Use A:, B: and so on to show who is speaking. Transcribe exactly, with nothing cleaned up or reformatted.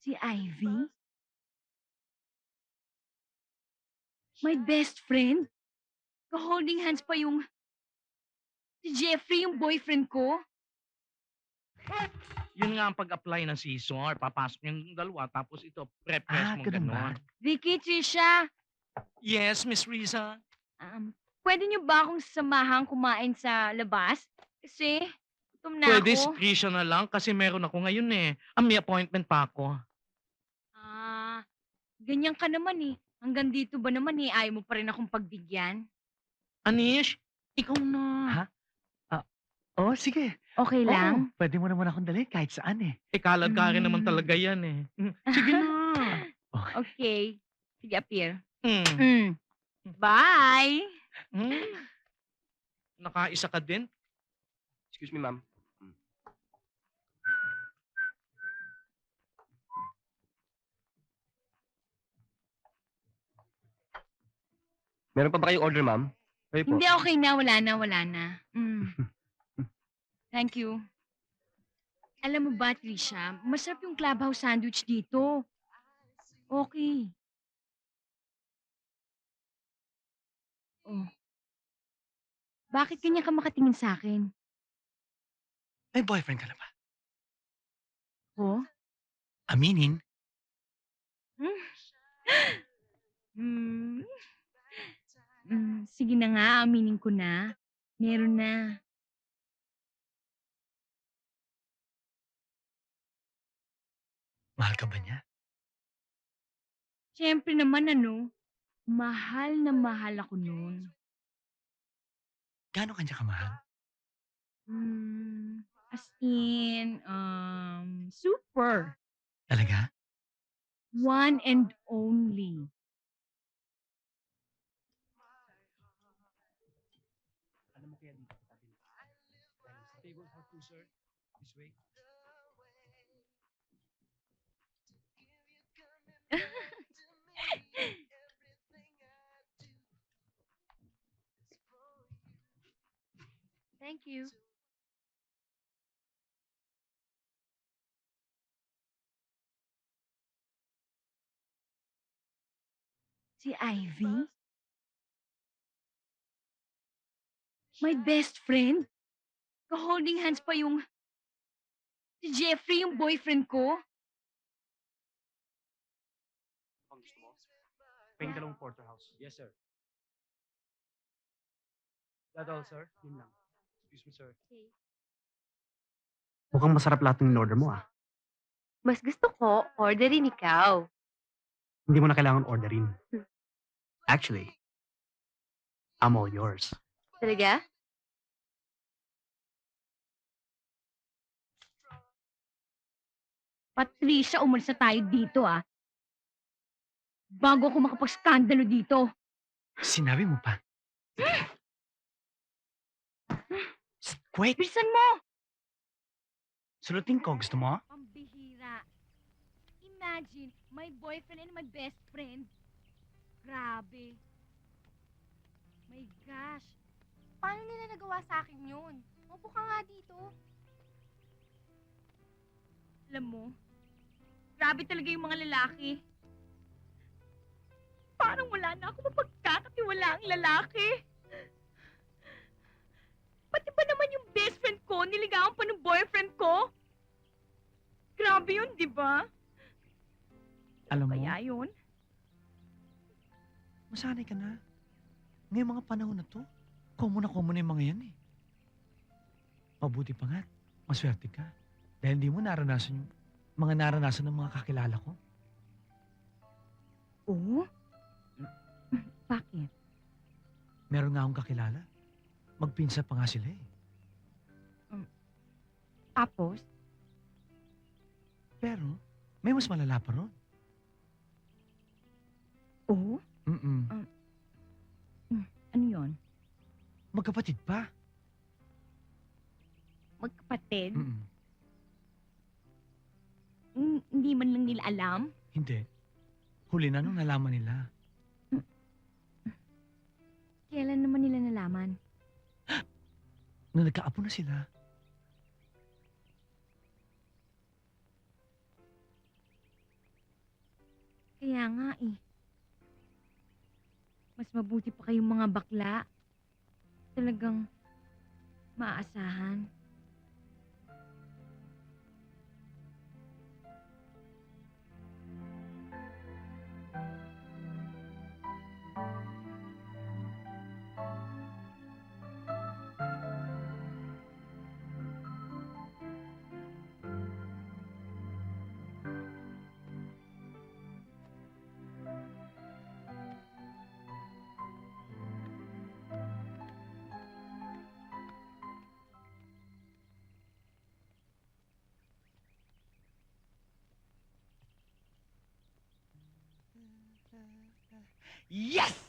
A: Si Ivy? My best friend? Ka-holding hands pa yung si Jeffrey, yung boyfriend ko?
B: Yun nga ang pag-apply ng scissor. Papasok yung dalawa, tapos ito, pre-press
C: Ah,
B: mo
C: ganun ba?
B: gano'n.
A: Vicky, Trisha,
B: Yes, Miss Riza.
A: um, pwede niyo ba akong samahan kumain sa labas? Kasi, gutom na
B: Pwede si
A: ako.
B: Trisha na lang kasi meron ako ngayon eh. Ah, may appointment pa ako.
A: Ah, ganyan ka naman eh. Hanggang dito ba naman eh, ayaw mo pa rin akong pagbigyan?
B: Anish, ikaw na.
C: Ha? Ah, oh, sige.
A: Okay
C: Oo,
A: lang?
C: pwede mo naman akong dalhin kahit saan eh.
B: Eh, kalad ka rin naman
A: Mm.
B: talaga yan eh. Mm, sige na.
C: Okay.
A: Okay. Sige, appear.
B: Mm.
A: Mm. Bye!
B: Mm. Nakaisa ka din?
D: Excuse me, ma'am. Hmm. Meron pa ba kayong order, ma'am? Kayo po.
A: Hindi, okay na. Wala na, wala na. Mm. Thank you. Alam mo ba, Trisha, masarap yung clubhouse sandwich dito. Okay. Oh. Bakit ganyan ka makatingin sa akin?
C: May boyfriend ka na ba?
A: Oh?
C: Aminin?
A: Hmm. Hmm, sige na nga, aminin ko na. Meron na.
C: Mahal ka ba niya?
A: Siyempre naman ano, mahal na mahal ako nun.
C: Gaano kanya kamahal?
A: Hmm, as in, um, super.
C: Talaga?
A: One and only.
B: Alam mo kaya dito sa tabi. Table for two, sir. This way.
A: Thank you. Si Ivy? My best friend? Ka-holding hands pa yung si Jeffrey, yung boyfriend ko?
D: Ang gusto mo?
B: Pahing dalawang porterhouse. Yes, sir. That all, sir? Yun lang. Excuse me, sir.
C: Mukhang masarap lahat ng order mo ah.
E: Mas gusto ko, orderin ikaw.
C: Hindi mo na kailangan orderin. Actually, I'm all yours.
E: Talaga?
A: Patricia, umalis na tayo dito ah. Bago ako makapag-skandalo dito.
C: Sinabi mo pa. Quick!
A: Bilisan mo!
C: Sulutin ko. Gusto mo?
A: Pambihira. Imagine, my boyfriend and my best friend. Grabe. My gosh.
E: Paano nila nagawa sa akin yun? Upo ka nga dito.
A: Alam mo, grabe talaga yung mga lalaki. Parang wala na ako mapagkakatiwala ang lalaki. Pati ba naman yung best friend ko, niligawan pa ng boyfriend ko? Grabe yun, di ba?
C: Alam mo,
A: Kaya yun?
C: masanay ka na. Ngayong mga panahon na to, common na common na yung mga yan eh. Mabuti pa nga, maswerte ka. Dahil hindi mo naranasan yung mga naranasan ng mga kakilala ko.
A: Oo? Bakit?
C: Meron nga akong kakilala. Magpinsa pa nga sila eh.
A: Tapos?
C: Pero, may mas malala pa ron.
A: Oo?
C: Mm-mm.
A: Ano yun?
C: Magkapatid pa.
A: Magkapatid?
C: Mm-mm.
A: Mm, hindi man lang nila alam?
C: Hindi. Huli na nung nalaman nila.
A: Kailan naman nila nalaman?
C: Nung nagkaapo na sila.
A: Kaya nga eh. Mas mabuti pa kayong mga bakla. Talagang maaasahan.
C: Yes!